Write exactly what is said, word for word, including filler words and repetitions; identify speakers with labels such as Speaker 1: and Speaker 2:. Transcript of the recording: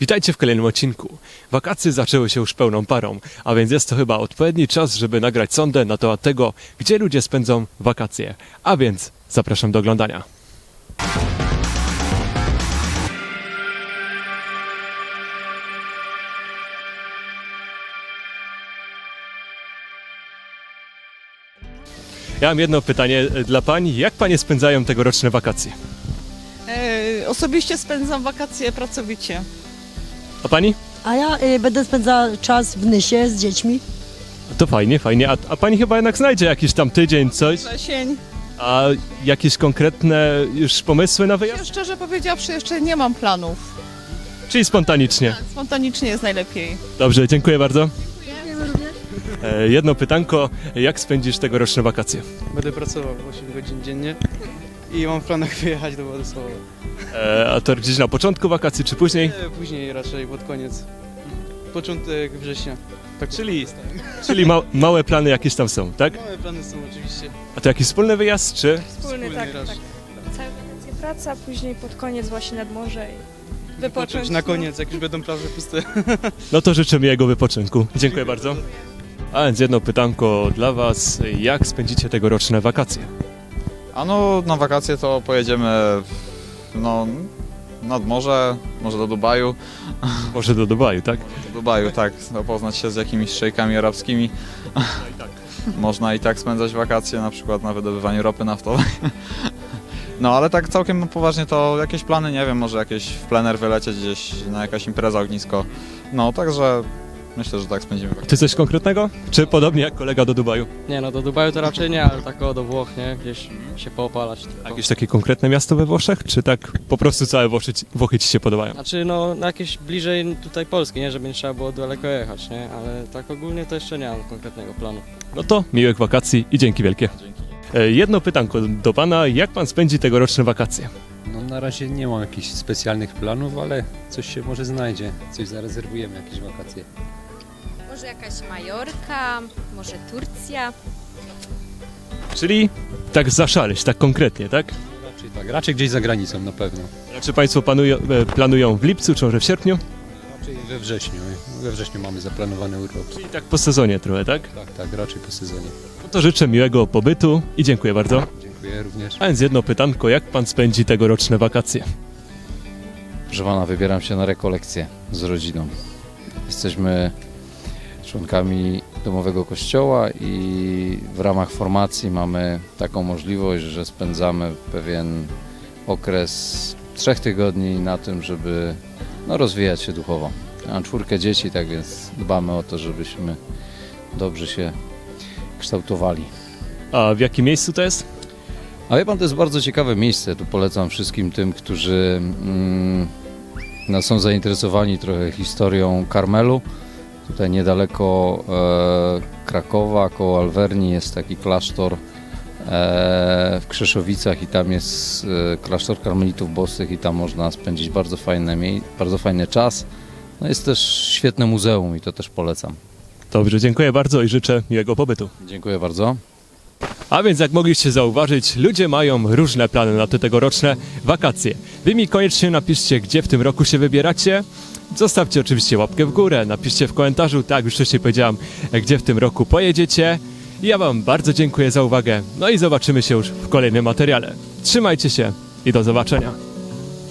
Speaker 1: Witajcie w kolejnym odcinku. Wakacje zaczęły się już pełną parą, a więc jest to chyba odpowiedni czas, żeby nagrać sondę na temat tego, gdzie ludzie spędzą wakacje. A więc zapraszam do oglądania. Ja mam jedno pytanie dla Pani. Jak Panie spędzają tegoroczne wakacje?
Speaker 2: E, osobiście spędzam wakacje pracowicie.
Speaker 1: A Pani?
Speaker 3: A ja y, będę spędzał czas w Nysie z dziećmi.
Speaker 1: To fajnie, fajnie. A, a Pani chyba jednak znajdzie jakiś tam tydzień, coś?
Speaker 2: Wrzesień.
Speaker 1: A jakieś konkretne już pomysły na
Speaker 2: Ja
Speaker 1: wyjazd?
Speaker 2: szczerze powiedziawszy jeszcze nie mam planów.
Speaker 1: Czyli spontanicznie.
Speaker 2: Spontanicznie jest najlepiej.
Speaker 1: Dobrze, dziękuję bardzo. E, jedno pytanko, jak spędzisz tegoroczne wakacje?
Speaker 4: Będę pracował osiem godzin dziennie i mam w planach wyjechać do Władysława.
Speaker 1: E, a to gdzieś na początku wakacji, czy później?
Speaker 4: Nie, później raczej pod koniec. Początek września. Tak
Speaker 1: Czyli, czyli ma, małe plany jakieś tam są, tak?
Speaker 4: Małe plany są oczywiście.
Speaker 1: A to jakiś wspólny wyjazd, czy?
Speaker 5: Wspólny, tak, tak.
Speaker 4: raczej.
Speaker 5: Całe wakacje praca, później pod koniec właśnie nad morze i wypocząć.
Speaker 4: Wypocząć na koniec, jak już będą plaże puste.
Speaker 1: No to życzę miłego wypoczynku. Dziękuję bardzo. A więc jedno pytanko dla Was, jak spędzicie tegoroczne wakacje?
Speaker 6: A no, na wakacje to pojedziemy no, nad morze, może do Dubaju.
Speaker 1: Może do Dubaju, tak?
Speaker 6: Do Dubaju, tak, zapoznać się z jakimiś szejkami arabskimi. Można i tak spędzać wakacje, na przykład na wydobywaniu ropy naftowej. No ale tak całkiem poważnie to jakieś plany, nie wiem, może jakieś w plener wylecieć gdzieś na jakaś impreza, ognisko. No, także myślę, że tak spędzimy wakacje.
Speaker 1: Ty coś konkretnego? Czy podobnie jak kolega do Dubaju?
Speaker 7: Nie no, do Dubaju to raczej nie, ale tak o, do Włoch, nie? Gdzieś się poopalać tylko.
Speaker 1: Jakieś takie konkretne miasto we Włoszech? Czy tak po prostu całe Włochy, ci- Włochy Ci się podobają?
Speaker 7: Znaczy no, na jakieś bliżej tutaj Polski, nie? Żeby nie trzeba było daleko jechać, nie? Ale tak ogólnie to jeszcze nie mam konkretnego planu.
Speaker 1: No to miłych wakacji i dzięki wielkie. E, Jedno pytanko do Pana, jak Pan spędzi tegoroczne wakacje?
Speaker 8: No na razie nie mam jakichś specjalnych planów, ale coś się może znajdzie, coś zarezerwujemy, jakieś wakacje.
Speaker 9: Może jakaś Majorka, może Turcja.
Speaker 1: Czyli tak zaszaleć, tak konkretnie, tak?
Speaker 8: Raczej tak, raczej gdzieś za granicą na pewno.
Speaker 1: Czy Państwo planują, e, planują w lipcu, czy może w sierpniu?
Speaker 8: Raczej we wrześniu, we wrześniu mamy zaplanowany urlop.
Speaker 1: Czyli tak po sezonie trochę, tak?
Speaker 8: Tak, tak, raczej po sezonie.
Speaker 1: No to życzę miłego pobytu i dziękuję bardzo.
Speaker 8: Dziękuję również.
Speaker 1: A więc jedno pytanko, jak Pan spędzi tegoroczne wakacje?
Speaker 10: Proszę pana, wybieram się na rekolekcję z rodziną. Jesteśmy członkami domowego kościoła i w ramach formacji mamy taką możliwość, że spędzamy pewien okres trzech tygodni na tym, żeby no, rozwijać się duchowo. Mam czwórkę dzieci, tak więc dbamy o to, żebyśmy dobrze się kształtowali.
Speaker 1: A w jakim miejscu to jest?
Speaker 10: A wie pan, to jest bardzo ciekawe miejsce. Tu polecam wszystkim tym, którzy mm, no, są zainteresowani trochę historią Karmelu. Tutaj niedaleko e, Krakowa, koło Alverni jest taki klasztor e, w Krzeszowicach i tam jest e, klasztor karmelitów bosych i tam można spędzić bardzo, fajne, mie- bardzo fajny czas. No, jest też świetne muzeum i to też polecam.
Speaker 1: Dobrze, dziękuję bardzo i życzę miłego pobytu.
Speaker 10: Dziękuję bardzo.
Speaker 1: A więc jak mogliście zauważyć, ludzie mają różne plany na te tegoroczne wakacje. Wy mi koniecznie napiszcie, gdzie w tym roku się wybieracie. Zostawcie oczywiście łapkę w górę, napiszcie w komentarzu, tak jak już wcześniej powiedziałem, gdzie w tym roku pojedziecie. I ja Wam bardzo dziękuję za uwagę, no i zobaczymy się już w kolejnym materiale. Trzymajcie się i do zobaczenia.